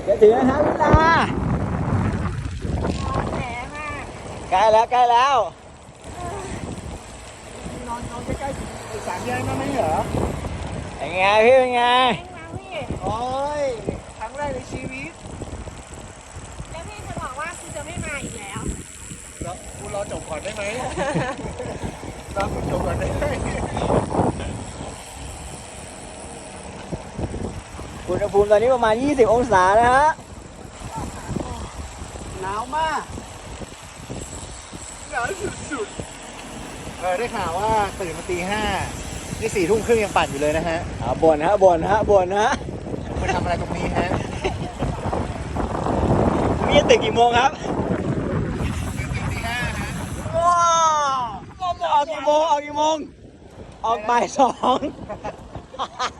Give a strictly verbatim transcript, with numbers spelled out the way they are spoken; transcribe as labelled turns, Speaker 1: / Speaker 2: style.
Speaker 1: จะถึงแล้วครับวิลาใกล้แล้วใกล้แล้ว
Speaker 2: นอนนอนใกล้ๆไอ้สามแยกนั่นไม่เหรอ
Speaker 1: เป็นไงพี่เป็นไง
Speaker 2: โอ้ยครั้งแรกในชีวิต
Speaker 3: แล้วพี่จะบอกว่าคุณจะไม่มาอีกแล้ว
Speaker 2: แล้วกูรอจบก่อนได้ไหมรอคุณจบก่อนได้ไหม
Speaker 1: อุณหภูมิตอนนี้ประมาณยี่สิบองศานะฮะ
Speaker 2: หนาวมากหนาวสุดๆเออได้ข่าวว่าตื่นมาตีห้านี่สี่ทุ่มครึ่งยังปั่นอยู่เลยนะฮะ
Speaker 1: อ่าบ่นฮะบ่นฮะบ่นฮะ
Speaker 2: มาทำอะไรตรงนี้ฮะ
Speaker 1: มีจะตื่นกี่โมงครับ
Speaker 2: ตีห้าฮะ
Speaker 1: ว้าวออกกี่โมงออกกี่โมงออกบ่ายสอง